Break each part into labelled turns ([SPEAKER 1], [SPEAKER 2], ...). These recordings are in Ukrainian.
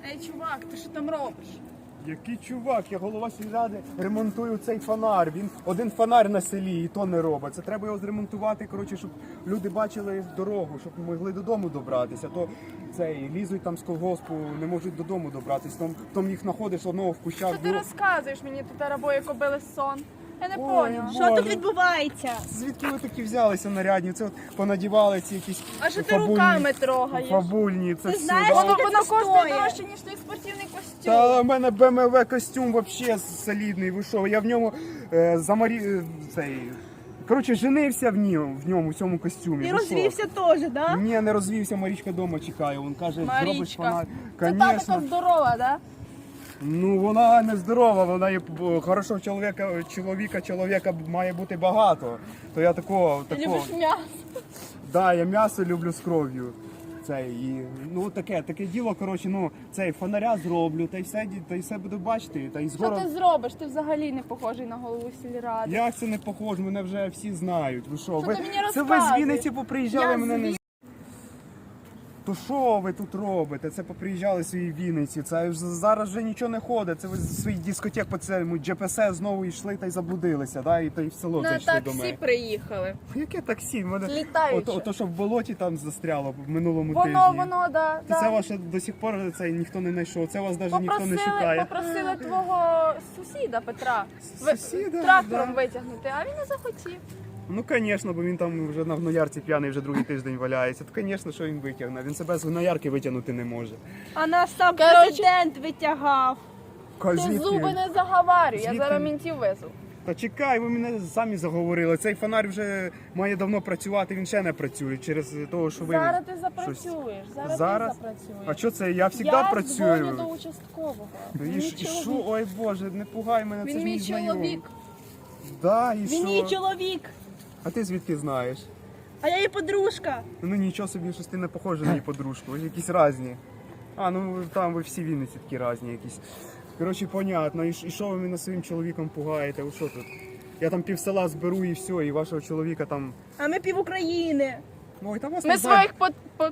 [SPEAKER 1] Ей, чувак, ти що там робиш?
[SPEAKER 2] Який чувак, я голова сільради, ремонтую цей фонар. Він один фонар на селі і то не робить. Це треба його зремонтувати, коротше, щоб люди бачили дорогу, щоб могли додому добратися. То цей лізуть там з колгоспу, не можуть додому добратися. Там їх знаходиш одного в кущах.
[SPEAKER 1] Що ти розказуєш мені тут арабої кобили сон? Я не
[SPEAKER 2] Ой,
[SPEAKER 1] поняла.
[SPEAKER 2] Боже.
[SPEAKER 3] Що тут відбувається?
[SPEAKER 2] Звідки ви такі взялися нарядні? Це от понадівали ці якісь
[SPEAKER 1] А що ти руками трогаєш?
[SPEAKER 2] фабульні, це
[SPEAKER 3] Ти
[SPEAKER 2] все.
[SPEAKER 3] знаєш,
[SPEAKER 2] да.
[SPEAKER 1] Воно
[SPEAKER 3] Скільки це
[SPEAKER 1] коштує
[SPEAKER 3] стоїть?
[SPEAKER 1] дорожче, ніж твій спортивний костюм.
[SPEAKER 2] Та в мене БМВ костюм вообще солідний, ви що? Я в ньому цей... Коротше, женився в ньому, в цьому костюмі.
[SPEAKER 3] І
[SPEAKER 2] ви що?
[SPEAKER 3] розвівся теж, да?
[SPEAKER 2] Ні, не розвівся, Марічка вдома чекає. Він каже, зробиш
[SPEAKER 1] Марічка.
[SPEAKER 2] фонарь.
[SPEAKER 1] Це та
[SPEAKER 2] Конечно.
[SPEAKER 1] така здорова, да?
[SPEAKER 2] Ну, вона не здорова, вона є хорошого чоловіка має бути багато. То я такого.
[SPEAKER 1] Ти любиш м'ясо.
[SPEAKER 2] Да, я м'ясо люблю з кров'ю. Ну таке діло, коротше, ну цей фонаря зроблю, та й все буду бачити. Та й
[SPEAKER 1] Що
[SPEAKER 2] згора.
[SPEAKER 1] ти зробиш? Ти взагалі не похожий на голову сільради.
[SPEAKER 2] Як це не похоже, мене вже всі знають. Ви що?
[SPEAKER 1] Що ти мені
[SPEAKER 2] Це ви з
[SPEAKER 1] розказуєш?
[SPEAKER 2] Вінниці поприїжджали,
[SPEAKER 1] Я
[SPEAKER 2] мене не.
[SPEAKER 1] з
[SPEAKER 2] То що ви тут робите? Це поприїжджали в своїй Вінниці. Це ж зараз вже нічого не ходить. Це ви з своїх дискотек по цьому ДЖПС знову йшли та й заблудилися, да? І в село
[SPEAKER 1] На
[SPEAKER 2] зайшли до
[SPEAKER 1] таксі
[SPEAKER 2] мене.
[SPEAKER 1] приїхали.
[SPEAKER 2] Яке таксі? Мене...
[SPEAKER 1] Літаюче.
[SPEAKER 2] Ото, що в болоті там застряло в минулому тижні.
[SPEAKER 1] Воно, да.
[SPEAKER 2] І це ваше до сих пор це ніхто не знайшов. Це вас навіть ніхто не
[SPEAKER 1] Попросили,
[SPEAKER 2] шукає.
[SPEAKER 1] попросили твого сусіда Петра
[SPEAKER 2] Сусіда,
[SPEAKER 1] трактором
[SPEAKER 2] да.
[SPEAKER 1] витягнути, а він не захотів.
[SPEAKER 2] Ну, звісно, бо він там вже на гноярці п'яний вже другий тиждень валяється. То, звісно, що він витягне. Він себе з гноярки витягнути не може.
[SPEAKER 3] А нас сам
[SPEAKER 1] Короче,
[SPEAKER 3] президент витягав.
[SPEAKER 1] Ти
[SPEAKER 2] Звідки?
[SPEAKER 1] зуби не заговарюй, я
[SPEAKER 2] Звідки?
[SPEAKER 1] зараз мінтів везу.
[SPEAKER 2] Та чекай, ви мене самі заговорили. Цей фонарь вже має давно працювати, він ще не працює через те, що ви...
[SPEAKER 1] Зараз ти
[SPEAKER 2] щось-
[SPEAKER 1] запрацюєш, зараз
[SPEAKER 2] Зараз?
[SPEAKER 1] ти запрацюєш.
[SPEAKER 2] А що це? Я завжди
[SPEAKER 1] Я дзвоню
[SPEAKER 2] працюю.
[SPEAKER 1] до участкового.
[SPEAKER 2] І
[SPEAKER 1] Він
[SPEAKER 2] що?
[SPEAKER 1] чоловік.
[SPEAKER 2] Ой Боже, не пугай мене, це
[SPEAKER 1] Він
[SPEAKER 2] ж
[SPEAKER 1] мій
[SPEAKER 2] мій знайомий.
[SPEAKER 1] чоловік.
[SPEAKER 2] Да, і
[SPEAKER 3] Він
[SPEAKER 2] що?
[SPEAKER 3] її чоловік,
[SPEAKER 2] А ти звідки знаєш?
[SPEAKER 3] а я її подружка.
[SPEAKER 2] Ну нічого собі, щось ти не похожа на її подружку, ви якісь різні. А, ну там ви всі Вінниці такі різні якісь. Коротше, понятно. І що ви мене своїм чоловіком пугаєте? Ви що тут? Я там пів села зберу і все, і вашого чоловіка там...
[SPEAKER 3] А ми пів України.
[SPEAKER 2] Ой, там вас
[SPEAKER 1] Ми
[SPEAKER 2] не знаю.
[SPEAKER 1] своїх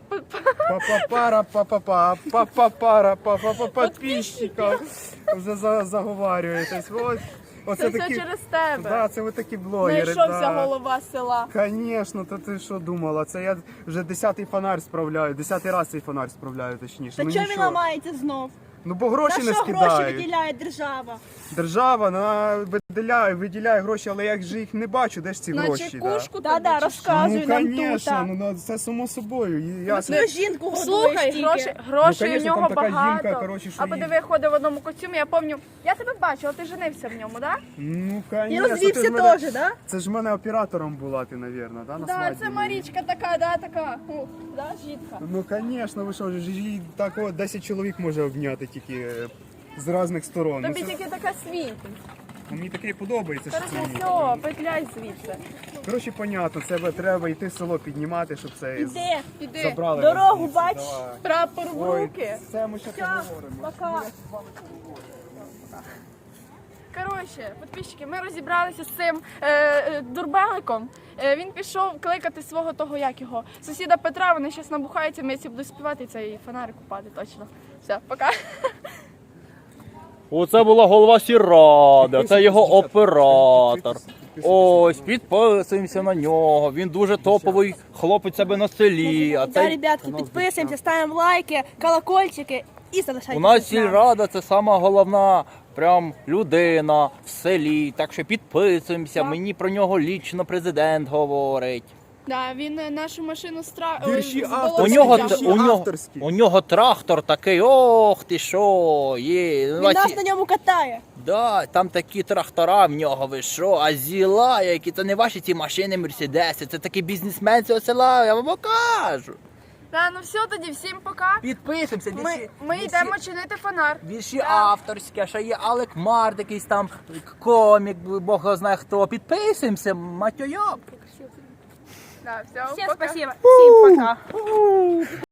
[SPEAKER 2] Па-па-пара, па-па-па, па-па-пара, па-па-па, підписчиків. Вже заговарюєтесь. Оце
[SPEAKER 1] Це все через тебе.
[SPEAKER 2] Да, це ви такі блогери.
[SPEAKER 1] Знайшовся голова села.
[SPEAKER 2] Звісно, то ти що думала? Це я вже 10-й фонарь справляю, 10-й раз цей фонарь справляю, точніше.
[SPEAKER 3] Та
[SPEAKER 2] Ну
[SPEAKER 3] чого він
[SPEAKER 2] нічого.
[SPEAKER 3] ламається знов?
[SPEAKER 2] Ну бо гроші
[SPEAKER 3] На
[SPEAKER 2] не
[SPEAKER 3] що гроші
[SPEAKER 2] скидають.
[SPEAKER 3] виділяє держава?
[SPEAKER 2] Держава виділяє гроші, але я ж їх не бачу, де ж ці
[SPEAKER 1] На
[SPEAKER 2] гроші.
[SPEAKER 1] чекушку
[SPEAKER 3] Да,
[SPEAKER 1] тобі
[SPEAKER 3] да,
[SPEAKER 1] чи що?
[SPEAKER 3] розказуй нам тут.
[SPEAKER 2] звісно, ну це само собою. Я
[SPEAKER 3] Свою жінку годуєш
[SPEAKER 1] Слухай,
[SPEAKER 3] тільки.
[SPEAKER 1] грошей
[SPEAKER 2] Ну,
[SPEAKER 1] у
[SPEAKER 2] конечно,
[SPEAKER 1] нього
[SPEAKER 2] там така
[SPEAKER 1] багато.
[SPEAKER 2] жінка, коротше, що
[SPEAKER 1] А
[SPEAKER 2] їй-
[SPEAKER 1] подиви, ходив в одному костюмі, я пам'ятаю. Я тебе бачила, ти женився в ньому, так?
[SPEAKER 2] Ну,
[SPEAKER 3] І
[SPEAKER 2] звісно,
[SPEAKER 3] розвівся теж, да?
[SPEAKER 2] Це ж в мене оператором була ти, мабуть, да, на
[SPEAKER 1] Да,
[SPEAKER 2] свадьбі?
[SPEAKER 1] це Марічка така, да, така. Да, жінка.
[SPEAKER 2] Ну, звісно, ви що, ж їй так от 10 чоловік може обняти тільки з різних сторон.
[SPEAKER 1] Тобі
[SPEAKER 2] Ну, це-
[SPEAKER 1] тільки така світ.
[SPEAKER 2] Мені таке подобається, що це
[SPEAKER 1] Короче,
[SPEAKER 2] мені.
[SPEAKER 1] все, петляй звідси.
[SPEAKER 2] Коротше, понятно, це треба йти в село піднімати, щоб це
[SPEAKER 3] Іди.
[SPEAKER 1] Іди.
[SPEAKER 2] забрали.
[SPEAKER 3] Дорогу
[SPEAKER 2] звідси.
[SPEAKER 3] бач.
[SPEAKER 2] Давай.
[SPEAKER 1] Прапор в
[SPEAKER 2] Ой,
[SPEAKER 1] руки.
[SPEAKER 2] це ми ще поговоримо.
[SPEAKER 3] Пока.
[SPEAKER 1] Коротше, підписчики, ми розібралися з цим дурбеликом. Він пішов кликати свого того, як його, сусіда Петра, вони зараз набухаються, ми ці будуть співати і цей фонарик купати, точно. Все, пока.
[SPEAKER 4] Оце була голова сільради, це його оператор. Ось, підписуємося на нього. Він дуже топовий хлопець себе на селі. А
[SPEAKER 3] Да,
[SPEAKER 4] цей...
[SPEAKER 3] ребятки, підписуємося, ставимо лайки, колокольчики і залишайтеся.
[SPEAKER 4] У нас
[SPEAKER 3] з нами.
[SPEAKER 4] сільрада це сама головна прям людина в селі. Так що підписуємося. Мені про нього лічно президент говорить.
[SPEAKER 1] Да, він нашу машину
[SPEAKER 2] Вірші
[SPEAKER 4] У нього,
[SPEAKER 2] Вірші авторські.
[SPEAKER 4] у нього трактор такий, ох ти що, є.
[SPEAKER 3] Він нас на ньому катає.
[SPEAKER 4] Да, там такі трактора в нього, ви що, а зіла, які це не ваші ці машини, мерседеси, це такий бізнесмен цього села, я вам покажу.
[SPEAKER 1] Да, ну все тоді, всім пока.
[SPEAKER 4] Підписуємося,
[SPEAKER 1] Ми йдемо чинити фонар.
[SPEAKER 4] вірші авторські, а ще є Алек Март, якийсь там комік, Бог його знає хто. Підписуємося, матьойоп.
[SPEAKER 1] Да, все,
[SPEAKER 3] Всім
[SPEAKER 1] пока.
[SPEAKER 3] спасибо, всім пока.